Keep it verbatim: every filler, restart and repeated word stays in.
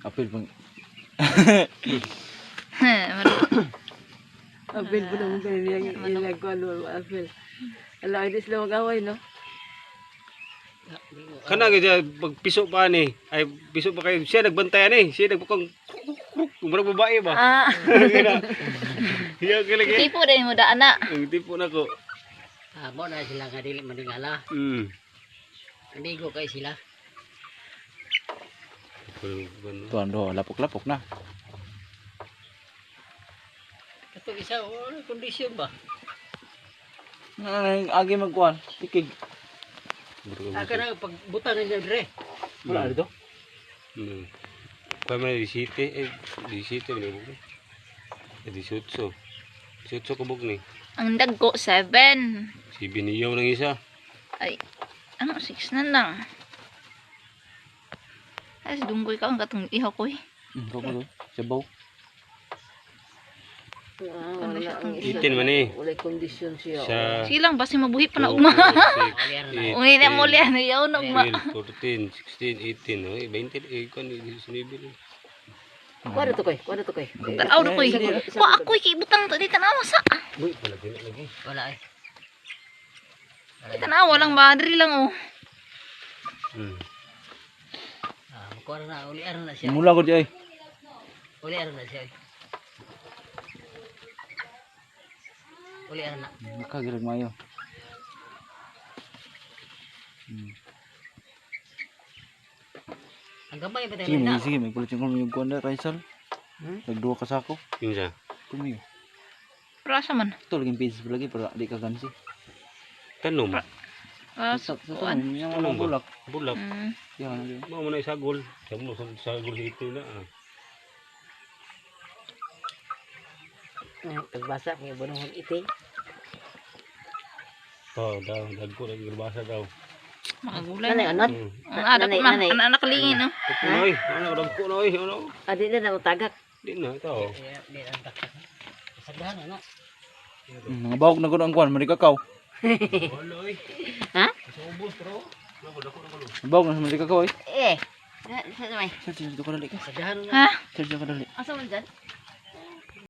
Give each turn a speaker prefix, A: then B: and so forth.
A: Apil pang
B: Apil po naman kayo niyang ilagwan mo, apil. Ala, hindi sila mag-away, no?
C: Kana gaya pag piso pa ni. Ay piso pa kayo. Siya nagbantayan eh. Siya nagpakang kumurang babae ba?
B: Ah,
C: Iya kaya
D: Tipo din mo daan na.
C: Ang tipo na ko.
E: Amo na sila nga dili maningala.
C: Hmm.
E: Amigo kay sila.
A: tuan do lapok-lapok na.
E: Kato isa oh, kondisyon ba?
A: Nang agi magkuan, tikig.
E: Aka na pag butang ninyo dire.
A: Wala dito.
C: Hmm. Kaya may disite eh disite ni bug. Eh disutso. Disutso ko bug ni.
D: Ang dagko seven.
C: Si biniyaw ng isa.
D: Ay, ano six na lang. Ay, dunggoy ka ang katong ihaw ko eh.
A: Hmm, ko ko. Sabaw.
B: ah, wala ang isa.
C: Itin man eh.
B: Wala kondisyon siya.
C: Sa
D: Sige lang, basi mabuhi pa na uma. Uni na mo liyan, yaw na uma.
C: fourteen, sixteen, eighteen, oh, twenty eh kon ni sinibil.
B: Kuha to koy, kuha to koy.
D: Tanaw na ko eh. Wa ako eh, butang to, di tanawa sa.
C: Uy, wala din lagi.
E: Wala eh.
D: Di tanawa lang ba, diri lang oh.
C: Hmm.
E: Ah, makuha na uli aron na siya.
A: Mula ko di ay.
E: Uli aron na siya. Uli aron na.
A: Makagirag mayo. Hmm.
E: Ang gabay ba
A: Sige,
E: tayo na?
A: may sige, may kulit yung yung kuan na Raisal.
E: Hmm?
A: Nagduwa ka sa ako.
C: Kinsa?
A: Kumiyo.
D: Prasa man.
A: Ito laging pieces lagi para di ka gansi.
C: Tanom.
D: Ah,
A: Sa sa
D: kuan.
A: to, yung
C: Ano
A: mga
C: ba?
A: bulak.
C: Bulak.
D: Mm.
A: Yan lagi.
C: Mo man ay sagol. Samo sa sagol ito na. ah.
E: Pagbasa may bunong iting.
C: Oh, daw, dagko lagi garbasa daw.
D: Makagulay
B: Nanay,
D: na.
B: anot?
C: Hmm.
D: Ang anak ko na,
B: Nanay,
D: ang anak kalingin no.
C: Dagko na oy. Ano dagko na oy, ano?
B: Adi na na utagak.
C: Di na ito.
E: Kaya di ang taktak. Sagdahan na.
A: Hmm, mga bahog na gud ang kuan, marikakaw.
C: Wala oy.
B: Ha?
C: Sa ubos bro. Nako dako na kulo.
A: Bahog na sa marikakaw ay.
B: Eh. Sa sa may.
A: Sir, sir, dito ka dali ka.
E: Sagdahan na.
D: Ha?
A: Sir, dito ka dali.
B: Asa man dyan?